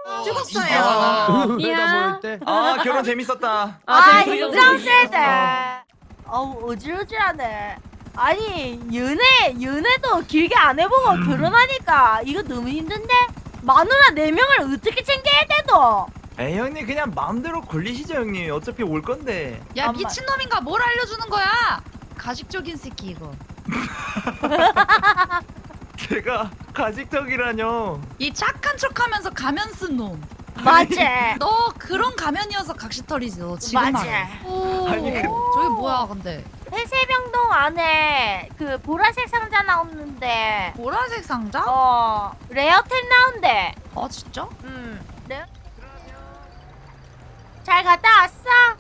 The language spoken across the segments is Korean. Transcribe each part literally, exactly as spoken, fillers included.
죽었어요. 이야. 아 결혼 재밌었다. 아 재밌었어. 인정 세대. 어우 어지러지하네. 아니 연애 연애도 길게 안 해보고 결혼하니까 이거 너무 힘든데? 마누라 네 명을 어떻게 챙겨야 돼도? 에이 형님 그냥 마음대로 걸리시죠 형님. 어차피 올 건데. 야 엄마. 미친놈인가 뭘 알려주는 거야? 가식적인 새끼 이거. 제가 가식적이라뇨. 이 착한 척하면서 가면 쓴 놈. 맞지? 너 그런 가면이어서 각시털이지 너 지금 맞지? 말해. 오. 아니, 그- 저게 뭐야 근데? 해세병동 안에 그 보라색 상자 나오는데 보라색 상자? 어 레어템 나온대. 아 진짜? 음. 네? 잘 갔다 왔어?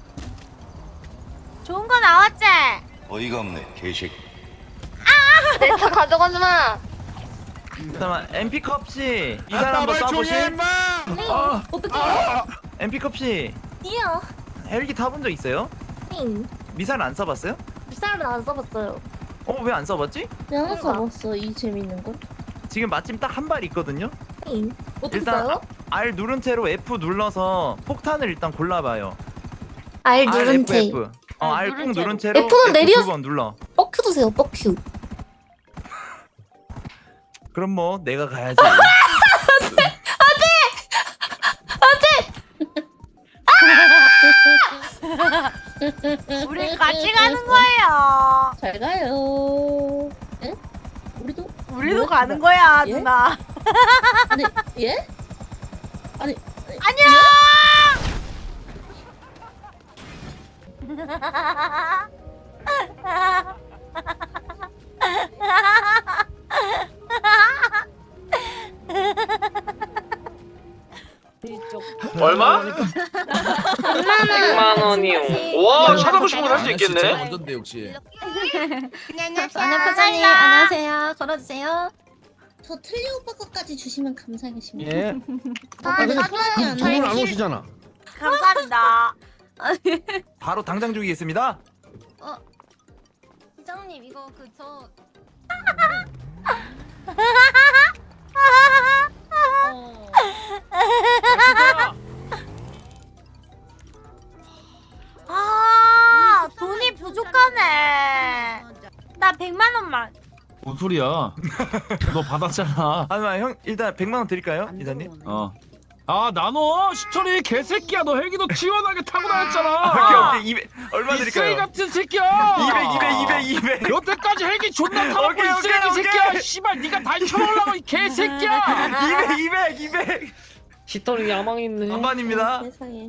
좋은 거 나왔지? 어이가 없네 개새끼. 내 차 가져가지 마. 잠깐만 엠피컵 씨. 이 사람 한번 쏴보실? 아, 어떻게? 엠피컵 씨. 이요. 헬기 타본 적 있어요? 응. 미사일 안 써봤어요? 쌀은 안 써봤어요. 어 왜 안 써봤지? 내가 써봤어. 이 재밌는 걸. 지금 마침 딱 한 발 있거든요. 응. 어떻게 일단 써요? R 누른 채로 F 눌러서 폭탄을 일단 골라봐요. R R 누른 F 채. F. 어 아, R 누른 꾹 누른 채로. 채로 F는 F 내려- 두 번 눌러. 뻑큐 드세요. 뻑큐. 그럼 뭐 내가 가야지. 우리 같이 가는 거예요. 잘 가요. 에? 우리도? 우리도 뭐야, 가는 누나? 거야 예? 누나. 아니 예? 아니 안녕. 얼마? 백만 원이요. 와 찾아보신 분 할 수 있겠네. 완전데 역시. 안녕 부장님 안녕하세요. 걸어주세요. 저 틀리 오빠 것까지 주시면 감사하겠습니다. 예. 아, 근데 사주하지 두 분 안 않아요. 오시잖아. 감사합니다. 바로 당장 주기겠습니다. 부장님 이거 그저 아 돈이 부족하네. 나 백만 원만. 뭔 소리야? 너 받았잖아. 아니 형 일단 백만 원 드릴까요, 이사님? 어. 아 나눠 시철이 개새끼야. 너 헬기도 시원하게 타고 오케이 다녔잖아. 오케이 이백 얼마 이 쓰레기 드릴까요? 같은 새끼야. 이백 이백 이백 이백. 여태까지 헬기 존나 타고 오케이, 이 쓰레기 오케이, 새끼야. 오케이. 씨발 네가 다 쳐먹으려고 이 개새끼야. 이백 이백 이백. 시털이 야망 있네. 반반입니다. 세상에.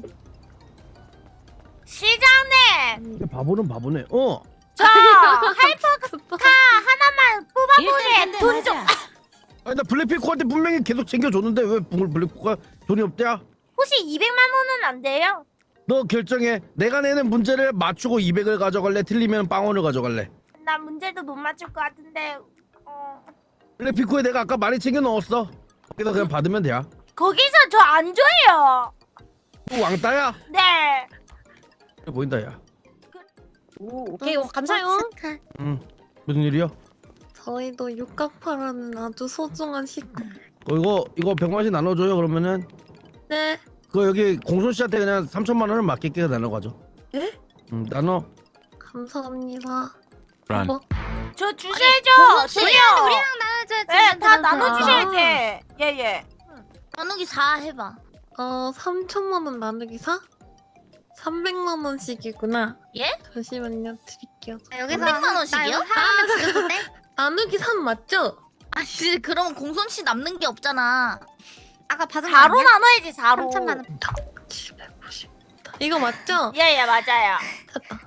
시장님 바보는 바보네. 어. 저 하이퍼카 하나만 뽑아보게 돈 좀. 아니 나 블랙피코한테 분명히 계속 챙겨줬는데 왜 블- 블랙피코가 돈이 없대야? 혹시 이백만 원은 안 돼요? 너 결정해. 내가 내는 문제를 맞추고 이백을 가져갈래? 틀리면 빵원을 가져갈래? 나 문제도 못 맞출 것 같은데. 어... 블랙피코에 내가 아까 많이 챙겨 넣었어. 거기서 그냥 받으면 돼야. 거기서 저 안 줘요. 또 왕따야? 네. 그래 보인다 야. 오 오케이 감사해요. 응. 무슨 일이야? 저희도 육각파라는 아주 소중한 식구. 어, 이거 이거 백만씩 나눠줘요 그러면은. 네. 그거 여기 공손 씨한테 그냥 삼천만 원을 맡길게 나눠가죠. 예? 응 나눠. 감사합니다. 란. 뭐? 저 주셔야죠. 씨, 줘요. 우리랑 나눠줘야지. 네, 다 아. 나눠주셔야지. 예예. 나누기 사 해봐. 어, 삼천만 원 나누기 사? 삼백만 원씩이구나. 예? 잠시만요, 드릴게요. 여기서 삼백만 원씩이요? 사람을 죽여도 돼? 나누기 삼 맞죠? 아씨 그럼 공솜 씨 남는 게 없잖아. 아까 받은 거 사로 아니야? 나눠야지 사로. 삼천만 원. 칠백오십. 이거 맞죠? 예예 맞아요. 됐다.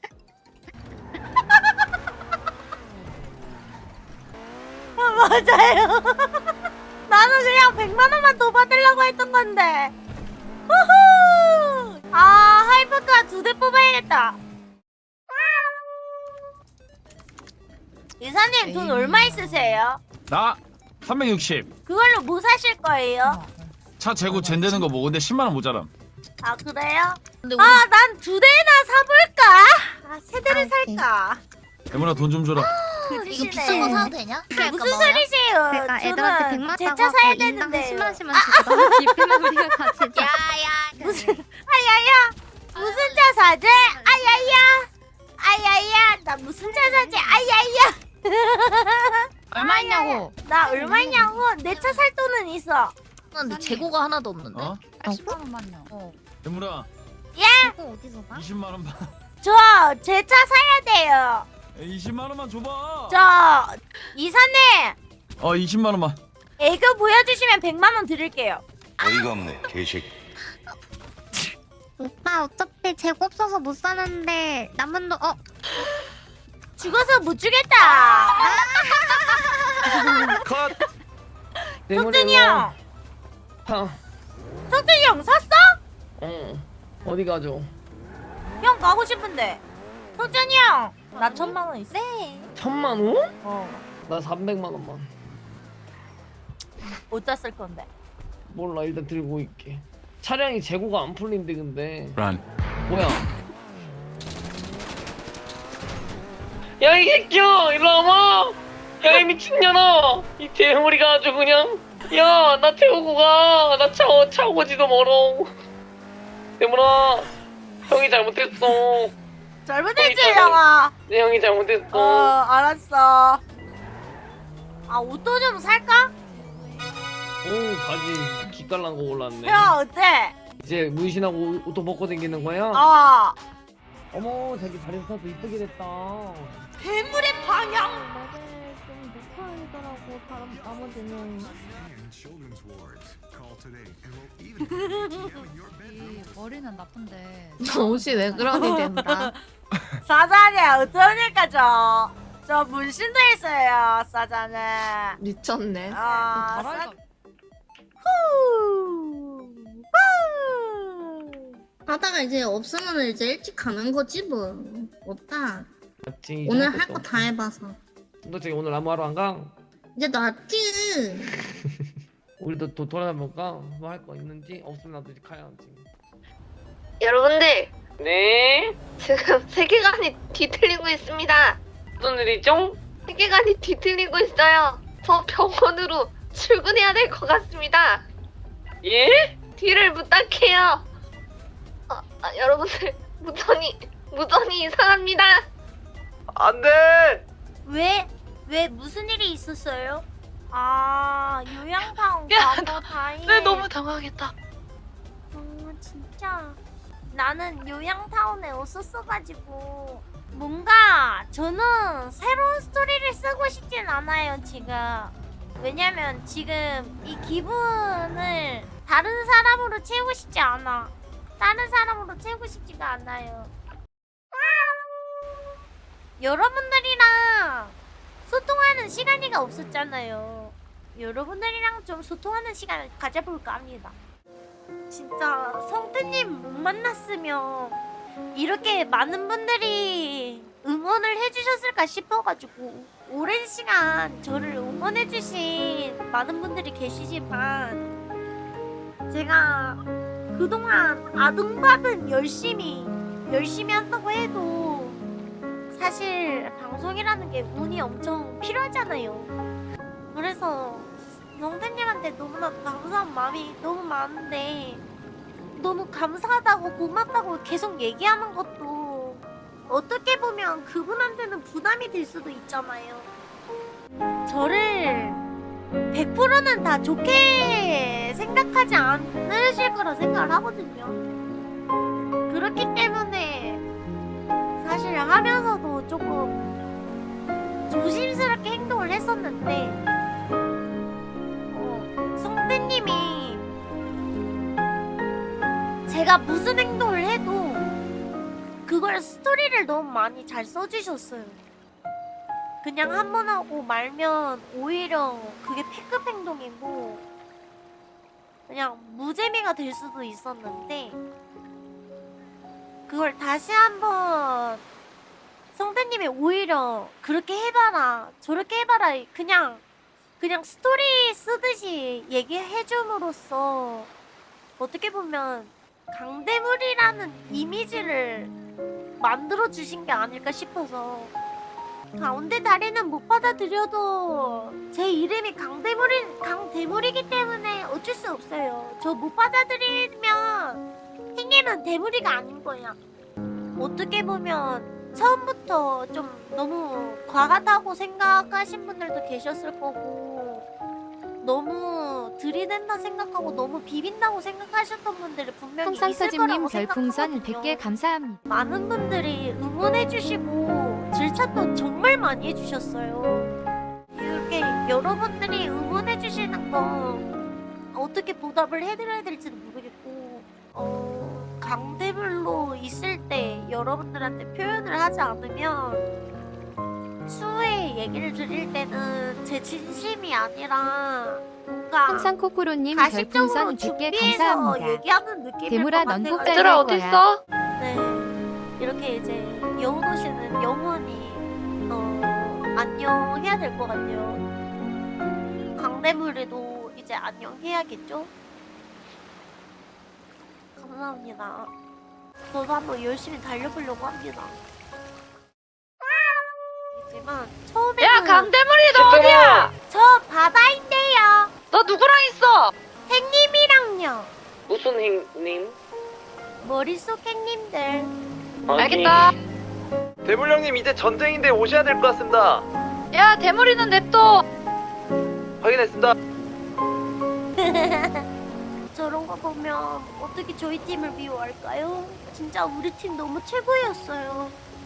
맞아요. 나는 그냥 백만 원만 더 받으려고 했던 건데. 후후. 아 하이퍼카 두 대 뽑아야겠다. 이사님 돈 얼마 있으세요? 나 삼백육십. 그걸로 뭐 사실 거예요? 차 재고 젠되는 거 뭐 근데 십만 원 모자람. 아 그래요? 근데 우리 아 난 두 대나 사볼까? 아 세 대를 아, 오케이. 살까? 대문아 돈 좀 줘라. 이거 그지시네. 비싼 거 사도 되냐? 무슨 소리세요? 그러니까 애들한테 저는 백만 제 따고 차 사야 하고 인당 되는데. 십만 십만 주고 너무 지피면 우리가 같이 자. 야야 무슨 아야야 무슨 차 사지? 아야야 아야야 나 무슨 차 사지? 아야야 얼마 있냐고? 나 얼마냐고? 내 차 살 돈은 있어. 근데 재고가 하나도 없는데. 어? 팔십만 원만요. 어. 대물아 재고 어디서 봐? 이십만 원만 저 제 차 사야 돼요. 이십만 원만 줘봐. 저 이사님 어 이십만 원만. 애교 보여주시면 백만 원 드릴게요. 어이가 없네 개새끼. 오빠 어차피 재고 없어서 못 사는데 남은 돈 어? 죽어서 못 주겠다. 컷. 석준이 형, 형. 석준이 형 샀어? 응. 어디 가죠? 형 가고 싶은데. 석준이 형, 나 천만 원 있어. 네. 천만 원? 어. 나 삼백만 원만. 어디다 쓸 건데? 몰라 일단 들고 있게. 차량이 재고가 안 풀린대 근데. 란. 뭐야? 야 이 새끼야 일로 와봐. 야 이 미친년아. 이 대머리가 아주 그냥. 야 나 태우고 가. 나 차, 차 오지도 멀어. 대머라. 형이 잘못했어. 잘못했지 형아. 내 형이 잘못했어. 어 알았어. 아 옷도 좀 살까? 오 바지 기깔난 거 올랐네. 형 어때? 이제 문신하고 옷도 벗고 다니는 거야? 어. 어머 자기 다리 사서 이쁘게 됐다. 괴물의 방향. 좀 못하더라고 다른 나머지는. 이 머리는 나쁜데. 옷이 왜 그러니 된다. 사장님 어떠니까 저. 저 문신도 있어요 사장님. 미쳤네. 아 달아이가. 사... 후. 후. 하다가 이제 없으면 이제 일찍 가는 거지 뭐. 없다. 맞지. 오늘 할 거 다 해봐서. 너 저기 오늘 아무 하러 안 가? 이제 낫지. 우리도 또 돌아다볼까? 뭐 할 거 있는지 없으면 나도 이제 가야지. 여러분들 네. 지금 세계관이 뒤틀리고 있습니다. 무슨 일이죠? 세계관이 뒤틀리고 있어요. 저 병원으로 출근해야 될 것 같습니다. 예? 뒤를 부탁해요. 아, 아, 여러분들 무전이 무전이 이상합니다. 안돼. 왜? 왜 무슨 일이 있었어요? 아 요양방 야, 가고 다행. 네 너무 당황했다. 어 진짜 나는 요양타운에 없었어가지고 뭔가 저는 새로운 스토리를 쓰고 싶진 않아요 지금. 왜냐면 지금 이 기분을 다른 사람으로 채우고 싶지 않아. 다른 사람으로 채우고 싶지가 않아요. 여러분들이랑 소통하는 시간이가 없었잖아요. 여러분들이랑 좀 소통하는 시간을 가져볼까 합니다. 진짜 성태님 못 만났으면 이렇게 많은 분들이 응원을 해주셨을까 싶어가지고 오랜 시간 저를 응원해주신 많은 분들이 계시지만 제가 그동안 아등바등 열심히 열심히 한다고 해도 사실 방송이라는 게 운이 엄청 필요하잖아요. 그래서 성태님한테 너무나 감사한 마음이 너무 많은데 너무 감사하다고 고맙다고 계속 얘기하는 것도 어떻게 보면 그분한테는 부담이 될 수도 있잖아요. 저를 백 퍼센트는 다 좋게 생각하지 않으실 거라 생각을 하거든요. 그렇기 때문에 사실 하면서도 조금 조심스럽게 행동을 했었는데 어, 성태님이 제가 무슨 행동을 해도 그걸 스토리를 너무 많이 잘 써주셨어요. 그냥 한 번 하고 말면 오히려 그게 패급 행동이고 그냥 무재미가 될 수도 있었는데 그걸 다시 한번 성태님이 오히려 그렇게 해봐라 저렇게 해봐라 그냥 그냥 스토리 쓰듯이 얘기해줌으로써 어떻게 보면 강대물이라는 이미지를 만들어주신 게 아닐까 싶어서 가운데 다리는 못 받아들여도 제 이름이 강대물이 강대물이기 때문에 어쩔 수 없어요. 저 못 받아들이면 행님은 대물이가 아닌 거야. 어떻게 보면 처음부터 좀 너무 과하다고 생각하신 분들도 계셨을 거고, 너무 들이댄다 생각하고 너무 비빈다고 생각하셨던 분들이 분명히 있을 홍상서집님 거라고 별풍선 생각하거든요. 백 개 감사합니다. 많은 분들이 응원해주시고 질차도 정말 많이 해주셨어요. 이렇게 여러분들이 응원해주시는 거 어떻게 보답을 해드려야 될지도 모르겠고, 어, 강대물로 있을 때 여러분들한테 표현을 하지 않으면 추후에 얘기를 드릴 때는 제 진심이 아니라 뭔가 항상 코코로님 가식적으로 별풍선 백 개 준비해서 감사합니다. 얘기하는 느낌일 대물아, 것 넌 꼭 같아가지고. 잘 얘들아 될 거야. 어딨어? 네, 이렇게 이제 여운호 씨는 영원히 어, 안녕해야 될 것 같아요. 강대물에도 이제 안녕해야겠죠? 감사합니다. 저도 한번 열심히 달려보려고 합니다. 하지만 처음에는 야 강대물이 너 어디야? 저 바다인데요. 너 누구랑 있어? 행님이랑요. 무슨 행님? 머릿속 행님들. 알겠다. 대물 형님 이제 전쟁인데 오셔야 될 것 같습니다. 야 대물이는 냅둬. 확인했습니다. 저런 거 보면 어떻게 저희 팀을 미워할까요? 진짜 우리 팀 너무 최고였어요.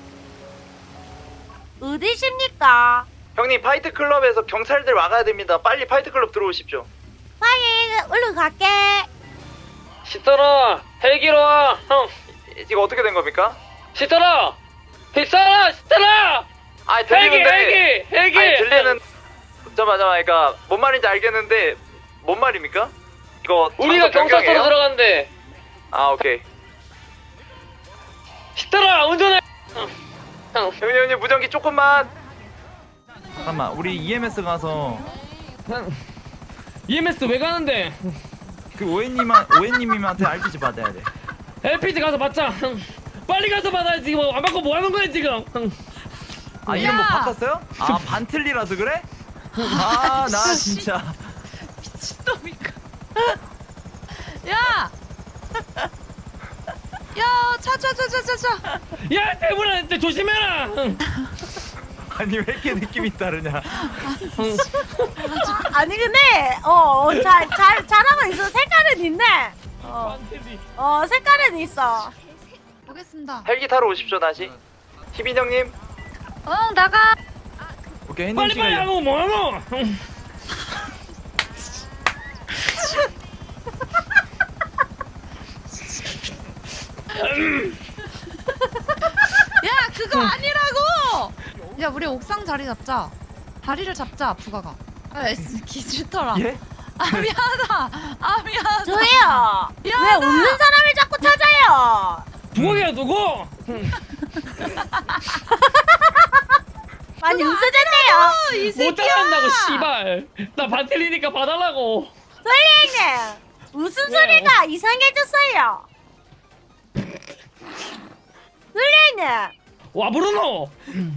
어디십니까? 형님 파이트 클럽에서 경찰들 와가야 됩니다. 빨리 파이트 클럽 들어오십시오. 빨리 얼른 갈게. 시터라 헬기로 와. 형 이거 어떻게 된 겁니까? 시터라 빅사라 시터라 아 헬기 들리는데. 헬기 헬기. 아니 들리는. 잠깐만 잠깐만 그러니까 뭔 말인지 알겠는데 뭔 말입니까? 이거 우리가 장소 경찰서로 변경이에요? 들어간대. 아 오케이. 시터라 운전해. 형, 형. 형님 형님 무전기 조금만. 잠깐만 우리 이엠에스 가서 이엠에스 왜 가는데? 그 오해님한 오해님한테 알피지 받아야 돼. 엘피지 가서 받자. 빨리 가서 받아야지. 지금 안 받고 뭐 하는 거야 지금? 아 이름 뭐 야! 바꿨어요? 아 반틀리라서 그래? 아 나 진짜. 미친놈이니까. 야! 야, 차, 차, 차, 차, 차, 차. 야 대물아, 진짜 조심해라. 아니 왜 이렇게 느낌이 다르냐? 아니 근데 어잘 잘 잘하고 있어. 색깔은 있네. 어, 어 색깔은 있어. 보겠습니다. 헬기 타러 오십시오 다시. 희빈 형님. 응 나가. 오케이 햇님 빨리 씨가 빨리 하고 뭐 하노? 야, 그거 아니라고! 야, 우리 옥상 자리 잡자. 다리를 잡자, 부가가. 아, 기싫더라. 예? 아, 미안하다. 아, 미안하다. 저예요. 왜 미안하다. 없는 사람을 자꾸 찾아요? 누구야 누구? 많이 웃으셨네요. 이 못 새끼야. 따라한다고 씨발. 나 반틀리니까 봐달라고. 솔리님 무슨 소리가 이상해졌어요? 솔리님 와 부르노.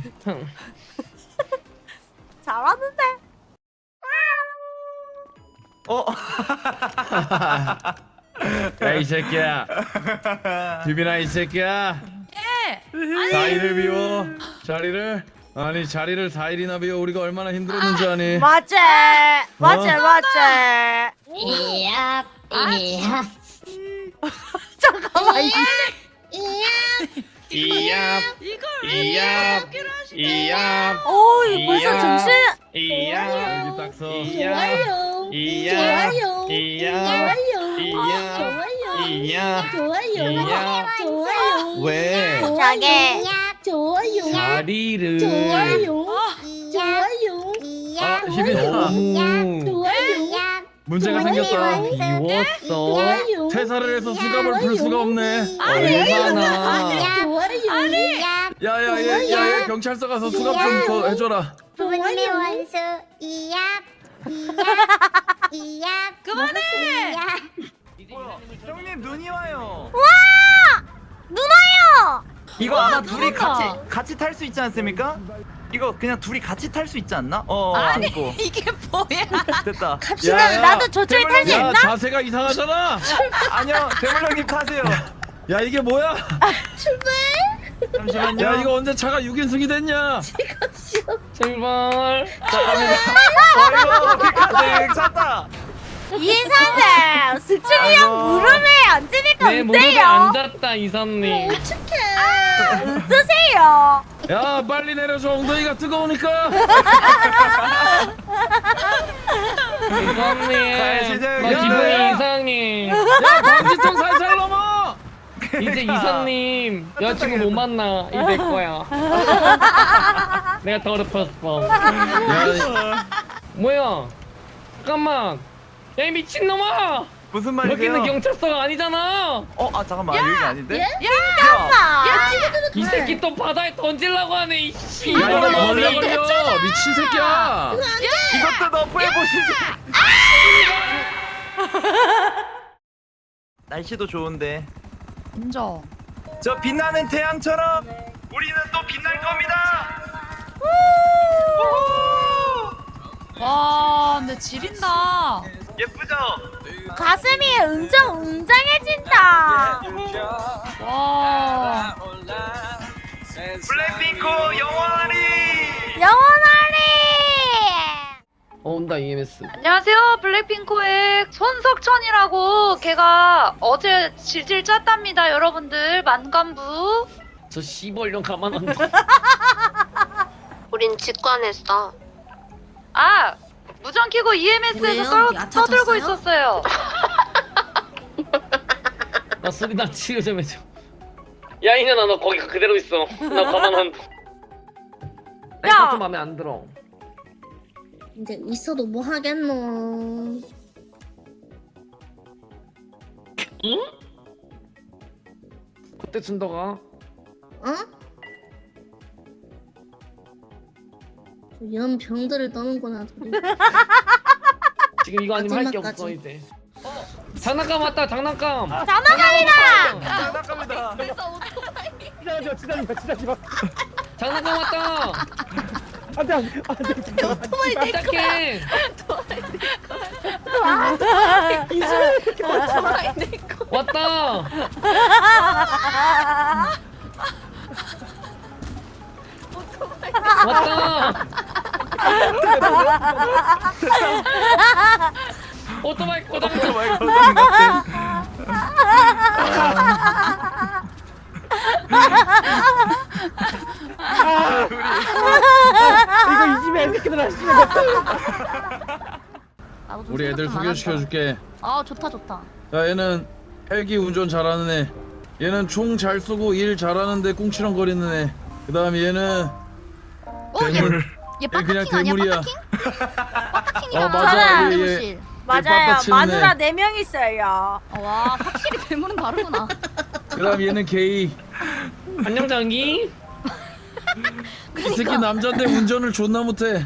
잘하는데. 어? 야 이 새끼야. 비비나 이 새끼야. 예. 사일을 비워. 자리를. 아니 자리를 사 일이나 비워. 우리가 얼마나 힘들었는지 아니. 맞지 맞지 맞지. 이야 이야 잠깐만. 이- 이야. 이걸 이야. 어떻게 하시네. 이야. 오 이거 벌써 이야. 정신. 이야. 여기 딱 서. 좋아요 이야. 좋아요 이야. 이야. 좋아요 이야. 좋아요 이야. 좋아요 왜? 자게. 좋아요 자리를. 좋아요 아, 희빈 너무 좋아요 문제가 생겼다. 비웠어. 퇴사를 해서 수갑을 풀 수가 없네. 얼마나. 좋아요 야야야 야, 야, 경찰서 가서 수갑 좀 더 해줘라. 부모님의 원수 이야 이야 이야 그만해. 형님 눈이 와요. 누나요. 이거 아마 둘이 누군가. 같이 같이 탈 수 있지 않습니까? 이거 그냥 둘이 같이 탈 수 있지 않나? 어 아니, 안고 이게 뭐야? 됐다. 갑시다. 야, 나도 저쪽에 탈 수 야 있나? 자세가 이상하잖아. 아니요 대물형님 타세요. 야 이게 뭐야? 잠시만요. 야 이거 언제 차가 육 인승이 됐냐? 제발. 어이구 우리 가득 찼다. 이사님 승준이 형 아이고. 무릎에 앉으니까 내 무릎에 어때요? 앉았다 이사님. 어떠세요? 야 빨리 내려줘 엉덩이가 뜨거우니까. 이사님. 가시죠, 나 형님. 기분이 이상해. 야 방지턱 살살 넘어. 이제 이사님 여자친구 못 만나. 이 내 거야. 내가 더럽혔어. 야 뭐야? 잠깐만. 야 이 미친놈아! 무슨 말이세요? 여기는 경찰서가 아니잖아. 어, 아 잠깐만 여기 아닌데? 이 새끼 또 바다에 던질라고 하네. 이씨. 야 이거 이놈아. 걸려 걸려 미친 새끼야. 이것도 너프해 보시지. 날씨도 좋은데 인정. 저 빛나는 태양처럼 우리는 또 빛날 겁니다. 와, 근데 지린다. 예쁘죠? 가슴이 은정 웅장해진다. 와. 블랙핑크 영원히. 영원하리. 어 온다 이엠에스. 안녕하세요. 블랙핑크의 손석천이라고 걔가 어제 질질 짰답니다. 여러분들 만감부. 저 씨벌령 가만 안 둬. 우린 직관했어. 아, 무전 키고 이엠에스에서 떠, 떠들고 있었어요. 나 소리나 치료 좀 해줘. 야 이년아 너 거기 그대로 있어. 나 가만 안 둬. 야! 야! 좀 마음에 안 들어. 이제 있어도 뭐 하겠노. 응? 그때 준다가 어? 연 병들을 떠는구나. 지금 이거 아니면 할 게 마지막까지. 없어 이제. 어, 장난감 왔다 장난감. 장난감이다. 장난감이다. 장난감 왔다. 깜짝해. 왔다. 왔다. 오토바이 고장. 오토바이 고장 같아. 이거 이 집에 애새끼들 하시면 우리 애들 소개시켜줄게. 아 좋다 좋다. 야 얘는 헬기 운전 잘하는 애. 얘는 총 잘 쏘고 일 잘하는데 꿍치렁거리는 애. 그 다음에 얘는 대물. 얘 얘 그냥 빠따킹 아니야? 대물이야. 빠따킹? 빠따킹이랑 어, 맞아. 저는 얘, 얘. 대무실. 맞아요. 빠따치는 마누라 애. 네 명 있어요. 와 확실히 대물은 다르구나. 그 다음에 얘는 게이. 안녕 장기. 이 새끼 남잔데 운전을 존나 못해.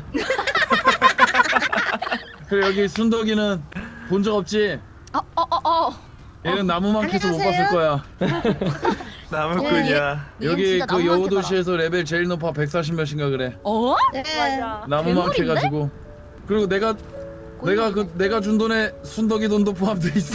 그래 여기 순덕이는 본 적 없지? 어어어 어, 어. 얘는 나무만 캐서 못 봤을 거야. 나무꾼이야. 여기 그 여우도시에서 레벨 제일 높아 백사십 몇인가 그래. 어? 맞아. 나무만 괴물인데? 캐가지고. 그리고 내가 내가 그 내가 준 돈에 순덕이 돈도 포함돼 있어.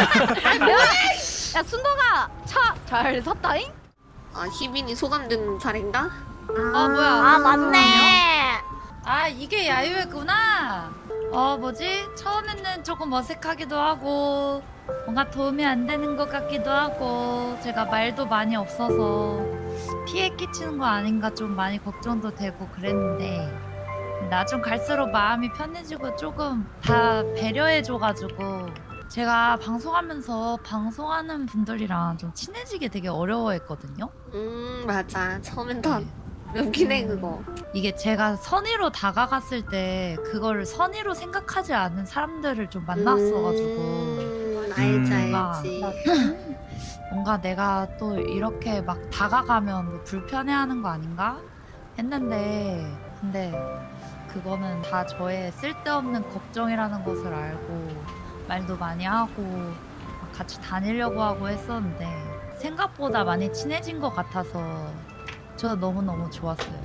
야 순덕아 차 잘 샀다잉? 아 희빈이 소감된 차례인가? 아, 뭐야. 아 맞네. 아, 이게 야유회구나. 어, 뭐지? 처음에는 조금 어색하기도 하고 뭔가 도움이 안 되는 것 같기도 하고 제가 말도 많이 없어서 피해 끼치는 거 아닌가 좀 많이 걱정도 되고 그랬는데 나중 갈수록 마음이 편해지고 조금 다 배려해줘가지고 제가 방송하면서 방송하는 분들이랑 좀 친해지게 되게 어려워했거든요. 음 맞아. 처음엔 다 웃긴 해 그거. 이게 제가 선의로 다가갔을 때 그거를 선의로 생각하지 않은 사람들을 좀 만났어가지고 음, 알지 음. 알지. 뭔가 내가 또 이렇게 막 다가가면 뭐 불편해하는 거 아닌가 했는데 근데 그거는 다 저의 쓸데없는 걱정이라는 것을 알고 말도 많이 하고 막 같이 다니려고 하고 했었는데 생각보다 많이 친해진 것 같아서 저 너무너무 좋았어요.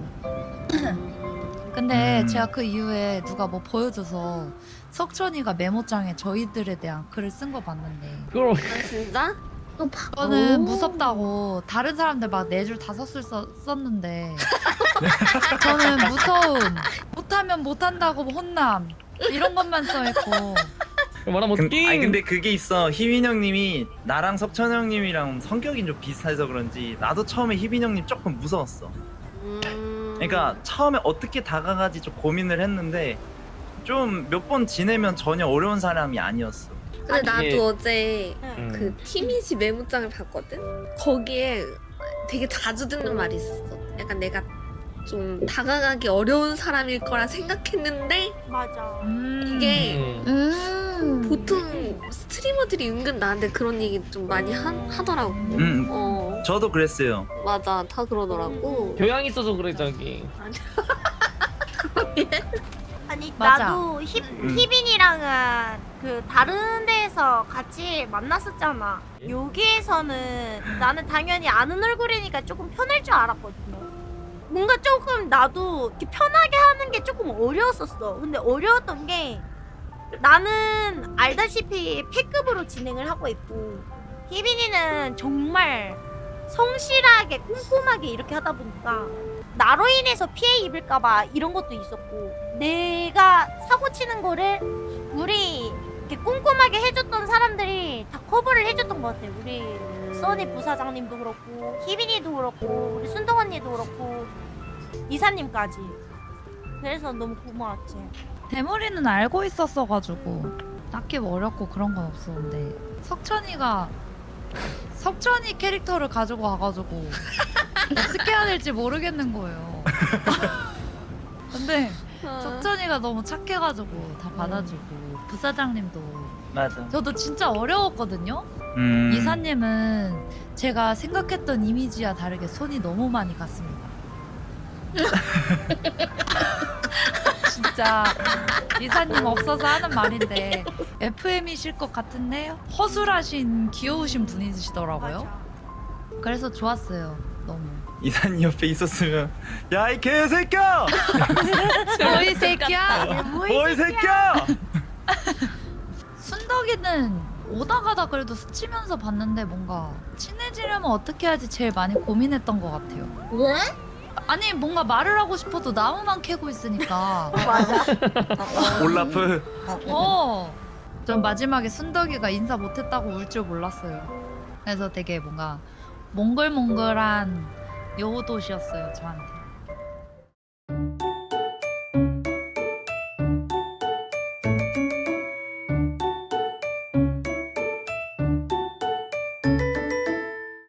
근데 음. 제가 그 이후에 누가 뭐 보여줘서 석천이가 메모장에 저희들에 대한 글을 쓴 거 봤는데 그걸 아 진짜? 또 봐. 저는 오. 무섭다고 다른 사람들 막 네 줄 다섯 줄 써, 썼는데 저는 무서움, 못하면 못한다고 혼남 이런 것만 써있고 말하면 근, 어떡해. 아니 근데 그게 있어. 희빈 형님이 나랑 석천 형님이랑 성격이 좀 비슷해서 그런지 나도 처음에 희빈 형님 조금 무서웠어. 음... 그러니까 처음에 어떻게 다가가지 좀 고민을 했는데 좀 몇 번 지내면 전혀 어려운 사람이 아니었어. 근데 나도 이게- 어제 음. 그 티미지 메모장을 봤거든? 거기에 되게 자주 듣는 말이 있었어. 약간 내가 좀 다가가기 어려운 사람일 거라 생각했는데 맞아. 음. 이게 음. 음. 보통 스트리머들이 은근 나한테 그런 얘기 좀 많이 하, 하더라고. 음, 어 저도 그랬어요. 맞아 다 그러더라고. 교양 있어서 그래 저기. 아니 맞아. 나도 희, 음. 희빈이랑은 그 다른 데에서 같이 만났었잖아. 여기에서는 나는 당연히 아는 얼굴이니까 조금 편할 줄 알았거든요. 뭔가 조금 나도 이렇게 편하게 하는 게 조금 어려웠었어. 근데 어려웠던 게 나는 알다시피 패급으로 진행을 하고 있고 희빈이는 정말 성실하게 꼼꼼하게 이렇게 하다 보니까 나로 인해서 피해 입을까봐 이런 것도 있었고 내가 사고 치는 거를 우리 이렇게 꼼꼼하게 해줬던 사람들이 다 커버를 해줬던 것 같아요. 우리 써니 부사장님도 그렇고 희빈이도 그렇고 우리 순동 언니도 그렇고 이사님까지. 그래서 너무 고마웠지. 대머리는 알고 있었어가지고 딱히 뭐 어렵고 그런 건 없었는데 석천이가 석천이 캐릭터를 가지고 와가지고 어떻게 해야 될지 모르겠는 거예요. 근데 어. 석천이가 너무 착해가지고 다 받아주고 부사장님도 맞아. 저도 진짜 어려웠거든요. 음. 이사님은 제가 생각했던 이미지와 다르게 손이 너무 많이 갔습니다. 진짜 이사님 없어서 하는 말인데 에프엠이실 것 같은데 허술하신 귀여우신 분이시더라고요. 맞아. 그래서 좋았어요. 너무. 이사님 옆에 있었으면 야 이 개새끼야! 뭐이 새끼야. 뭐 이 새끼야! 순덕이는 오다 가다 그래도 스치면서 봤는데 뭔가 친해지려면 어떻게 해야지 제일 많이 고민했던 것 같아요. 왜? 아니 뭔가 말을 하고 싶어도 나무만 캐고 있으니까. 올라프. 어. 전 마지막에 순덕이가 인사 못했다고 울 줄 몰랐어요. 그래서 되게 뭔가 몽글몽글한 여우도시였어요 저한테.